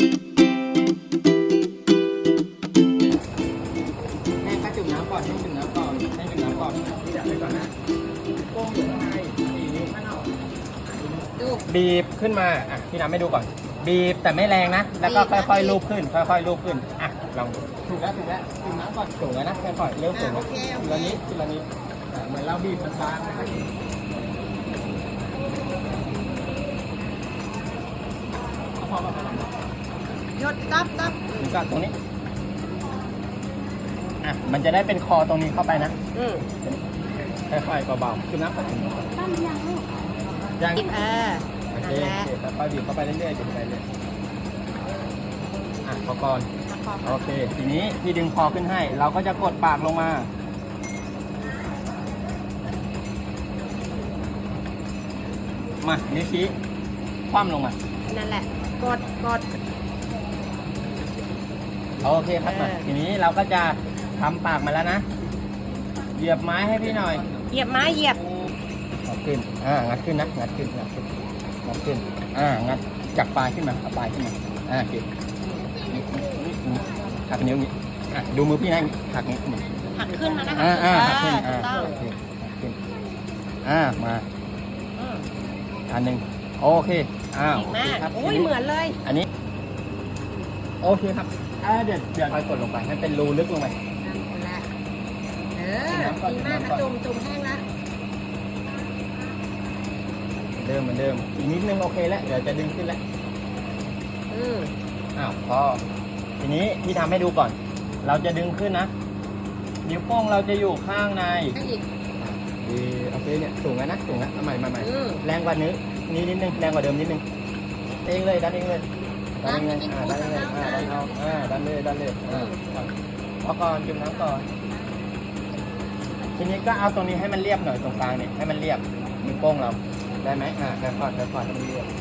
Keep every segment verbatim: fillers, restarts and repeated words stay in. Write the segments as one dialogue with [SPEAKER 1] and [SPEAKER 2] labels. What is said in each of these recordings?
[SPEAKER 1] แห้งก็จุ่มน้ำก่อนให้จุ่มน้ำก่อนให้จุ่มน้ำก่อนที่จะไปก่อนนะโป้งอยู่ข้างในสีนี้ข้างนอกดูบีบขึ้นมาอ่ะพี่น้ำไม่ดูก่อนบีบแต่ไม่แรงนะแล้วก็ค่อยๆลูบขึ้นค่อยๆลูบขึ้นอ่ะลองดูถูกแล้วถูกแล้วจุ่มน้ำก่อนถูกแล้วนะค่อยๆเริ่มถูกแล้วทีละนิดทีละนิดเหมือนเราบีบมันบางนะครับพอประมาณนั้น
[SPEAKER 2] หยดตับตับ
[SPEAKER 1] ถึงกับตรงนี้อ่ะมันจะได้เป็นคอตรงนี้เข้าไปนะ
[SPEAKER 2] อืม
[SPEAKER 1] ค่อยๆเบาๆคือน้ำปัด
[SPEAKER 2] ตั้มยังลูก
[SPEAKER 1] ยัง
[SPEAKER 2] เออ
[SPEAKER 1] โอ
[SPEAKER 2] นั่
[SPEAKER 1] เคน
[SPEAKER 2] แหละ
[SPEAKER 1] ค่อยๆบีบเข้าไปเรื่อยๆบีบไปเรื่อยอ่ะพอก่อนโอเคทีนี้พี่ดึงคอขึ้นให้ เราก็จะกดปากลงมามานิ้วชี้คว่ำลงมา
[SPEAKER 2] นั่นแหละกดกด
[SPEAKER 1] โอเคครับมา
[SPEAKER 2] เออ
[SPEAKER 1] ทีนี้เราก็จะทำปากมาแล้วนะเหยียบไม้ให้พี่หน่อย
[SPEAKER 2] เหยียบไม้เหยียบ
[SPEAKER 1] งัดขึ้น อ่า งัดขึ้นนะ งัดขึ้น งัดขึ้น งัดขึ้น อ่า งัดจากปลายขึ้นมาเอาปลายขึ้นมา อ่าโอเคหักนิ้วนี้อ่ะดูมือพี่นะหักนิ้วนี้
[SPEAKER 2] หักขึ้นมานะคะ
[SPEAKER 1] อ่าอ่าหักขึ้น
[SPEAKER 2] ถู
[SPEAKER 1] อ่าก
[SPEAKER 2] ต้อง
[SPEAKER 1] โอเคหักขึ้น อ่า มา
[SPEAKER 2] อืม
[SPEAKER 1] อันหนึ่งโอเค อ้าว
[SPEAKER 2] เก่งมาก
[SPEAKER 1] ครับ
[SPEAKER 2] อุ้ยเหมือนเลย
[SPEAKER 1] อันนี้ โอเคครับ อ่า เดี๋ยวเดี๋ยวค่อยกดลงไปให้เป็นรูลึกลงไป
[SPEAKER 2] นั่นแหละเออดีมากนะจุ่มจุ่มแห้งแล้ว
[SPEAKER 1] เดิมเหมือนเดิม อีกนิดนึงโอเคแล้ว เดี๋ยวจะดึงขึ้นแล้ว
[SPEAKER 2] อืม
[SPEAKER 1] อ้าวพอทีนี้พี่ทำให้ดูก่อน เราจะดึงขึ้นนะนิ้วโป้งเราจะอยู่ข้างใน
[SPEAKER 2] ให้อีก
[SPEAKER 1] ดีโอเคเนี่ยสูงแล้วนะสูงแล้วเอาใหม่ใหม่ใหม่
[SPEAKER 2] อืม
[SPEAKER 1] แรงกว่านี้นี้นิดนึงแรงกว่าเดิมนิดนึงเองเลยดันเองเลยดันเองเลยอ่าดันเองเลยอ่าดันเอาอ่าดันเลยดันเลยอ่าพอก่อนจุ่มน้ำก่อนทีนี้ก็เอาตรงนี้ให้มันเรียบหน่อยตรงกลางเนี่ยให้มันเรียบนิ้วโป้งเราได้ไหมอ่าค่อยๆค่อยๆให้มันเรียบ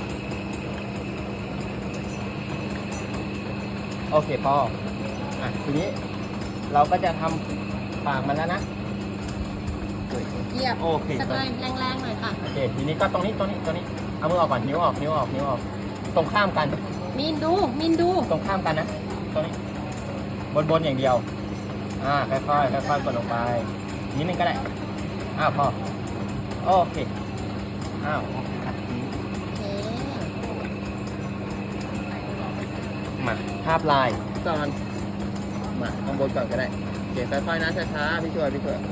[SPEAKER 1] โอเคพออ่ะทีนี้เราก็จะทำปากมันแล้วนะ
[SPEAKER 2] เหยียบ
[SPEAKER 1] โอเค
[SPEAKER 2] สักหน่อยแรงๆหน่อยค่ะ
[SPEAKER 1] โอเคทีนี้ก็ตรงนี้ตรงนี้ตรงนี้เอามือออกก่อนนิ้วออกนิ้วออกนิ้วออกตรงข้ามกัน
[SPEAKER 2] มินดูมินดู
[SPEAKER 1] ตรงข้ามกันนะตรงนี้บนบนอย่างเดียวอ่าค่อยๆค่อยๆกดลงไปนิดนึงก็ได้อ้าวพอโอเคอ้าวครับ
[SPEAKER 2] โอเค
[SPEAKER 1] มาภาพลายก่อนมาข้างบนก่อนก็ได้โอเคค่อยๆนะช้าๆพี่ช่วยพี่ช่วย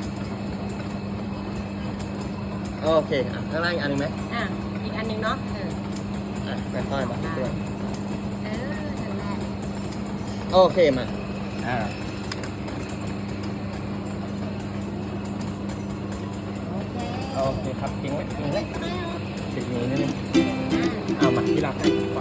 [SPEAKER 1] โอเคอ่ะข้างล่างอีกอันหนึงไหม
[SPEAKER 2] อ่ะอีกอันหนึงเนาะเออ
[SPEAKER 1] อ่ะค่อยๆมาพี่ช่วย
[SPEAKER 2] เออนั่นแหละ
[SPEAKER 1] โอเคมาอ่า
[SPEAKER 2] โอเค
[SPEAKER 1] โอเคครับทิ้งไว้ทิ้งไว้
[SPEAKER 2] ไม่เอา
[SPEAKER 1] ติดมือนิดนึง
[SPEAKER 2] อ่ะ
[SPEAKER 1] เอามาที่รักให้ก่อน